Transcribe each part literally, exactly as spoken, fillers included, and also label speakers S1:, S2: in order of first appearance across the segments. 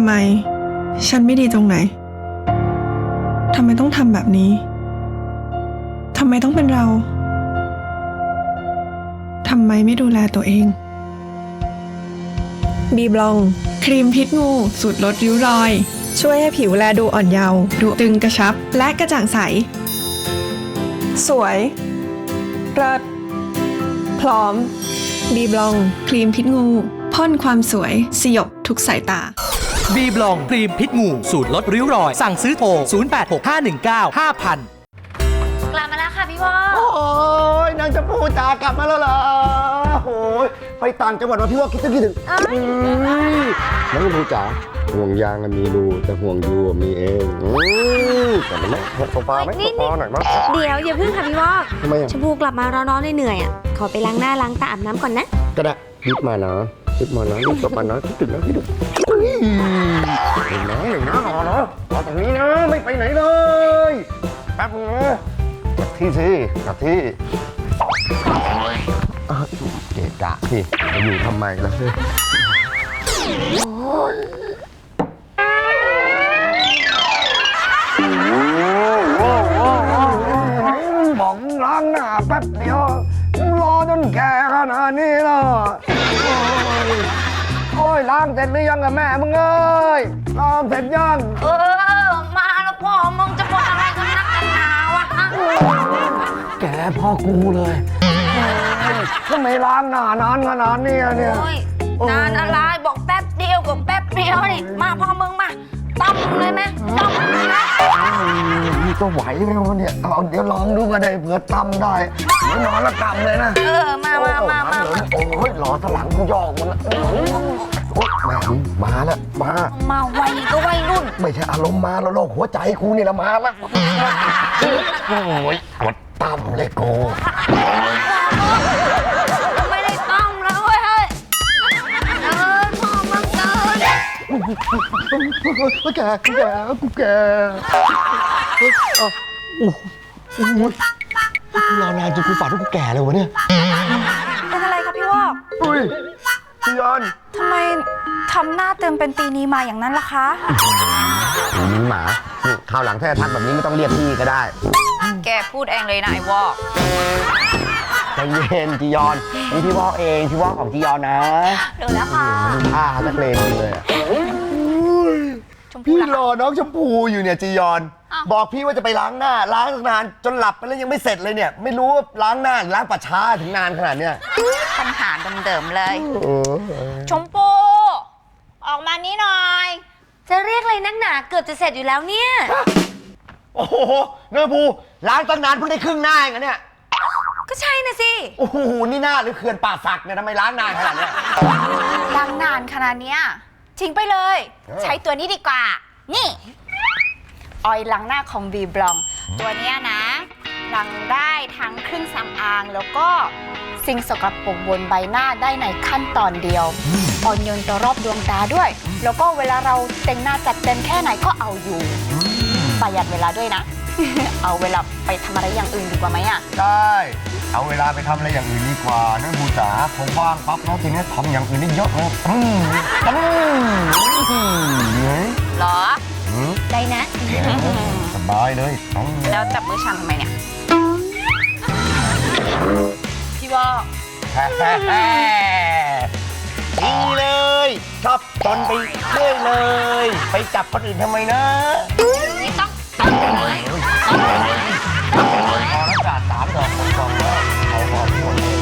S1: ไมฉันไม่ดีตรงไหนทำไมต้องทำแบบนี้ทำไมต้องเป็นเราทำไมไม่ดูแลตัวเองบีบลองครีมพิษงูสูตรลดริ้วรอยช่วยให้ผิวแลดูอ่อนเยาว์ดูตึงกระชับและกระจ่างใสสวยเลิศพร้อมบีบลองครีมพิษงูพ่นความสวยสยบทุกสายตา
S2: บีบลองครีมพิษงูสูตรลดริ้วรอยสั่งซื้อโทรศูนย์ แปด หก ห้า หนึ่ง เก้า ห้า ศูนย์ ศูนย์
S3: กลับมาแล้วค่ะพี่วอ
S4: โอ้ยนางจะพูดจากลับมาแล้วเหรอโอ้ยไปต่างจังหวัดมาพี่ว่าคิดถึงคิดถึงน้องพูดจ๋าห่วงยางมีรูแต่ห่วงยูมีเองแต่มันไม่โซฟาไหมโซฟาหน่อยมั้ง
S3: เดี๋ยวอย่าเพิ่งค่ะพี่วอ
S4: ทำไมอ่ะ
S3: ชมพูกลับมาร้อนๆเหนื่อยๆอ่ะขอไปล้างหน้าล้างตาอาบน้ำก่อนนะ
S4: ก็ได้รีบมานะรีบมานะรีบกลับมานะคิดถึงนะคิดถึงหนึ่งนะหนึ่งนะรอเนาะรอตรงนี้นะไม่ไปไหนเลยแป๊บนึงนะกลับที่สิกลับที่เกะกะสิจะอยู่ทำไมล่ะบอกล้างหน้าแป๊บเดียวรอจนแก่ขนาดนี้แล้วโอ้ยล้างเสร็จหรือยังอะแม่มึงเอ้ยล้างเสร็จยัง
S3: เออมาแล้วพ่อมึงจะบอกอะไรกันนักกันหนาวะ
S4: แกพ่อกูเลยทำไมล้างหน้านานขนาดนี้เนี่ย
S3: นานอะไรบอกแป๊บเดียวกับแป๊บเดียวนี่มาพ่อมึงมาต้มเลยไหมต้มเลยนะ
S4: นี่ก็ไหวไหมวะเนี่ยเอาเดี๋ยวลองดูก็ได้เผื่อตำได้เดี๋ยวนอนแล้วตำเลยนะ
S3: เออมามามามา
S4: โอ้ยหล่อสลังกูยอกมันโอ้ยแม่มาแล้วมา
S3: มาไวก็ไวรุ่น
S4: ไม่ใช่อารมณ์มาแล้วโรคหัวใจกูนี่ละมาแล้วโอ้ยกดตำเลยกู
S3: ไม่ได้ต้มแล้วเว้ยเฮ้ยเออพ่อมึงเกิน
S4: กูแก่กูแก่กูแก่โอ้โหกูรอนานจนกูฝันว่ากูแก่เลยวะเนี่ย
S3: เป็นอะไรครับพี่วอก
S4: อุ้ยพี่ยอน
S3: ทำไมทำหน้าเติมเป็นตีนีมาอย่างนั้นล่ะคะ
S4: นี่หมาคราวหลังถ้าทักแบบนี้ไม่ต้องเรียกพี่ก็ได้
S3: แกพูดเองเลยนะไอ้วอก
S4: ใจเย็นจียอนนี่พี่วอกเองพี่วอกของจียอนนะ
S3: เดี๋ยวแล้วค่ะ
S4: อ่านักเลงเลยพี่รอน้องชมพูอยู่เนี่ยจียอนบอกพี่ว่าจะไปล้างหน้าล้างตั้งนานจนหลับไปแล้วยังไม่เสร็จเลยเนี่ยไม่รู้ว่าล้างหน้าล้างปัดช้าถึงนานขนาดเนี้ย
S3: ปัญหาเดิมๆเลยชมพูออกมานี้หน่อยจะเรียกอะไรนักหนาเกือบจะเสร็จอยู่แล้วเนี่ย
S4: โอ้โหเนื้อภูล้างตั้งนานเพิ่งได้ครึ่งหน้าเองอะเนี่ย
S3: ก็ใช่นะสิ
S4: โอ้โหนี่หน้าหรือเขื่อนป่าสักเนี่ยทำไมล้างนานขนาดเนี้ย
S3: ล้างนานขนาดเนี้ยทิ้งไปเลยใช้ตัวนี้ดีกว่านี่ออยล้างหน้าของบีบลองตัวเนี้ยนะล้างได้ทั้งเครื่องสำอางแล้วก็สิ่งสกปรกบนใบหน้าได้ในขั้นตอนเดียวอ่อนโยนต่อรอบดวงตาด้วยแล้วก็เวลาเราแต่งหน้าจัดเต็มแค่ไหนก็เอาอยู่ประหยัดเวลาด้วยนะ เอาเวลาไปทำอะไรอย่างอื่นดีกว่าไหมอ่ะ
S4: ได้เอาเวลาไปทำอะไรอย่างอื่นดีกว่านั่นบูจ๋าผมว่างปั๊บแล้วทีนี้ทำอย่างอื่นได้เยอะเลยอืมอื
S3: มหรอได้นะ
S4: สบายเลย
S3: แล้วจับมือฉันทำไมเนี่ยพี่ว่า
S4: ดีเลยชอบจนไปเรื่อยเลยไปจับคนอื่นทำไมนะ
S3: ไม่ต้องเลย
S4: พอแล้วจ่าสามดอกกองแล้วเอาหอมหมดเลย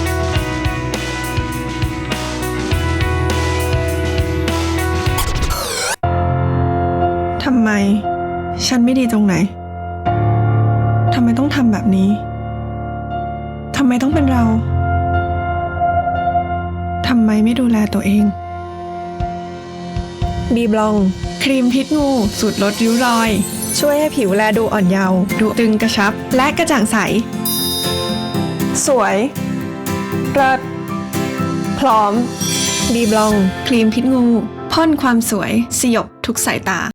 S1: ทำไมฉันไม่ดีตรงไหนทำไมต้องทำแบบนี้ทำไมต้องเป็นเราทำไมไม่ดูแลตัวเองบีบลองครีมพิษงูสูตรลดริ้วรอยช่วยให้ผิวแลดูอ่อนเยาว์ดูตึงกระชับและกระจ่างใสสวยเลิศพร้อมบีบลองครีมพิษงูพ่นความสวยสยบทุกสายตา